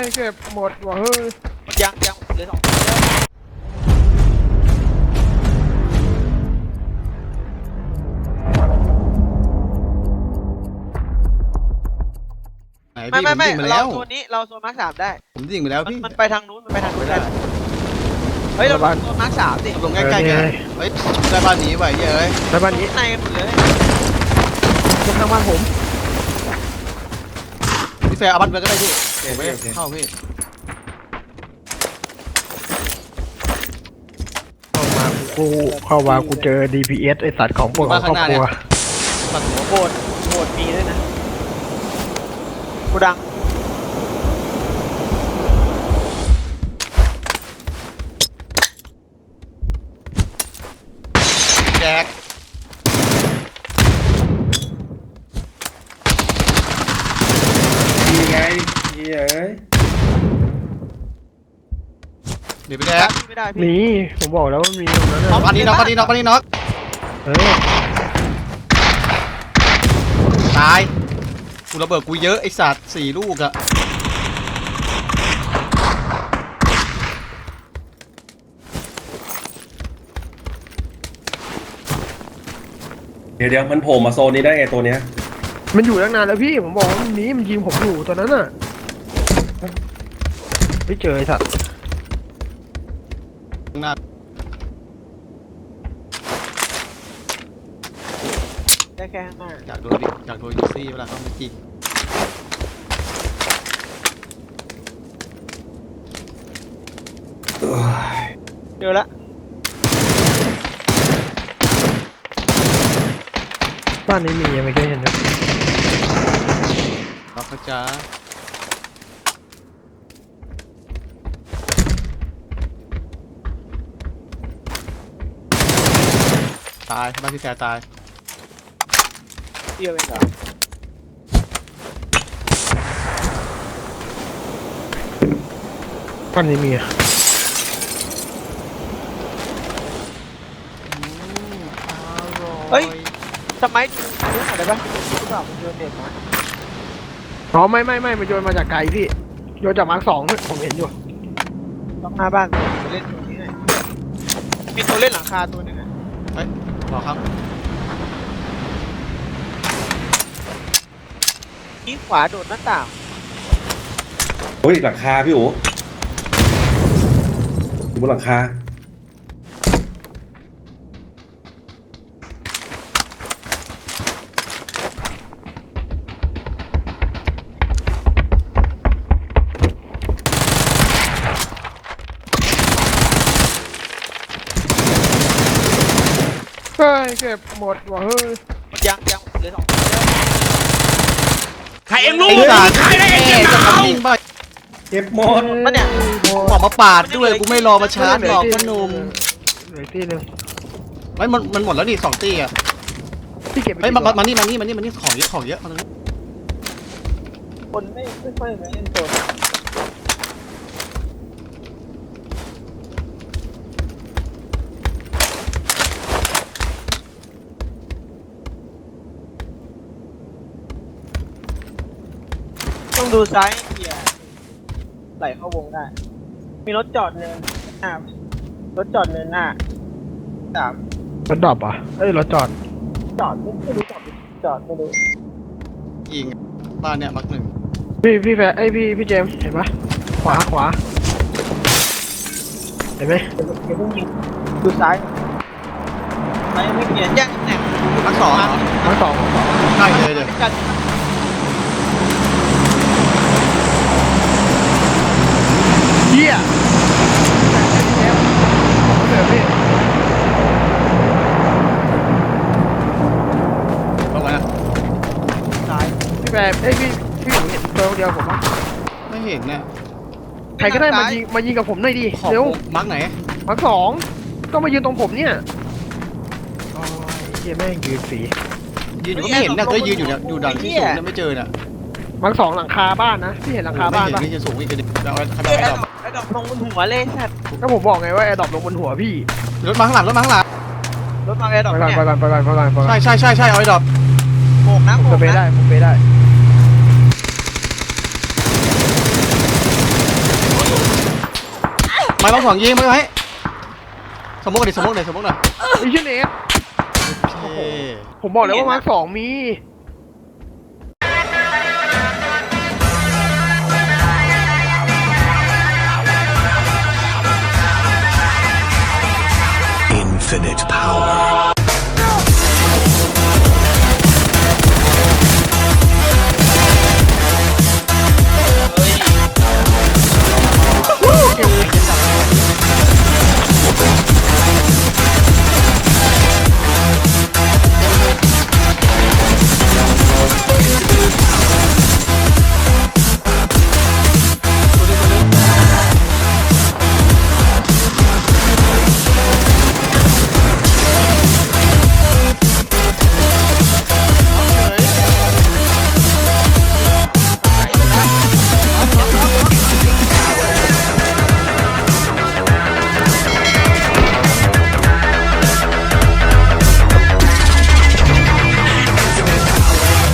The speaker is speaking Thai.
เก็บหมดว่ะเฮ้ยยังเหลือ2ไม่เราโซนนี้เราโซนมาร์ค3ได้ผมยิงไปแล้วพี่มันไปทางนู้นได้เฮ้ยเราโซนมาร์ค3ดิลงใกล้ๆกันเฮ้ยได้บ้านนี้ไว้เยอะเลยได้บ้านนี้ในกันหมดเลยตรงทางบ้านผมพี่แฟร์เอาบ้านไปก็ได้พี่ผมไม่เข้าพี่เข้ามากูเจอ DPS ไอสัตว์ของพวกครอบครัวโบดมีด้วยนะกูดังแจกดีไงดีเอ้ยเดี๋ยวไปแจกไม่ได้มีผมบอกแล้วว่ามีตรงนั้นน็อกอันนี้น็อกตายกูระเบิดกูเยอะไอสัตว์4 ลูกอะเดี๋ยวมันโผล่มาโซนนี้ได้ไงตัวเนี้ยมันอยู่ตั้งนานแล้วพี่ผมบอกว่ามันมีมันยิงผมอยู่ตอนนั้นน่ะไม่เจอไอสัตว์ได้แค่ข้างหน้าอยากโดนยูซี่เวลาเขาไม่จริงเจอละบ้านนี้มียังไม่เคยเห็นเลยเราเขาจะตายบ้านที่แกตายเดียวเองเหรอบ้านนี้มีเฮ้ยทำไมรู้อะไรปะรู้เปล่ามันโยนเด็กมาอ๋อไม่มันโยนมาจากไกลพี่โยนจากมาร์ค2ผมเห็นอยู่ต้องหน้าบ้านเล่นตัวนี้ไงมีตัวเล่นหลังคาตัวนึงอ่ะเฮ้ยรอครับนี่ขวาโดดหน้าต่างเฮ้ยหลังคาพี่โอ๋อยู่บนหลังคาเฮ้ยเก็บหมดว่ะเฮ้ยยังเหลือ2 ใครเอ็มรู้ใครได้เอ็มจะทำยิงไปเก็บหมดมันเนี่ยออกมาปาดด้วยกูไม่รอมาชาร์จหรอกพ่อหนุ่มเหลือตีนึงไม่มันหมดแล้วนี่2 ตีอ่ะพี่เก็บเฮ้ยมานี่ของเยอะมาตรงนี้คนไม่ค่อยมาเล่นโซนต้องดูซ้ายเกียร์ไหลเข้าวงได้มีรถจอดเนินหน้ารถจอดเนินหน้ารถดรอปอ่ะเอ้ยรถจอดไม่รู้จอดไม่รู้ยิงบ้านเนี่ยมัก1 พี่แฟร์พี่เจมเห็นปะขวาเห็นไหมดูซ้ายไม่เปลี่ยนแยกตำแหน่งมัก2ใช่เลยเฮียเดี๋ยวพี่ลงมาซ้ายพี่แฟร์พี่เห็นตัวเดียวผมปะไม่เห็นเนี่ยใครก็ได้มายิงกับผมหน่อยดิเร็วมักไหนมัก2ก็มายืนตรงผมเนี่ยโอ้ยเฮียแม่งยืนสียืนอยู่ไม่เห็นเนี่ยก็ยืนอยู่เนี่ยอยู่ดันที่สูงเนี่ยไม่เจอเนี่ยมัก2หลังคาบ้านนะพี่เห็นหลังคาบ้านปะนี่จะสูงอีกนิดแล้วไอ้ดอกลงบนหัวเลยสัตว์ก็ผมบอกไงว่าไอ้ดอกลงบนหัวพี่รถมาข้างหลังรถมาไอ้ดอกเนี่ยไปก่อนใช่เอาไอ้ดอกโบกนะผมไปได้ไม่ต้องสองยิงไม่ไหมสมมติหน่อยสมมติหน่อยสมมติหน่อยไอ้เชี่ยเนสโอเคผมบอกแล้วว่ามาร์ค2มี Infinite power.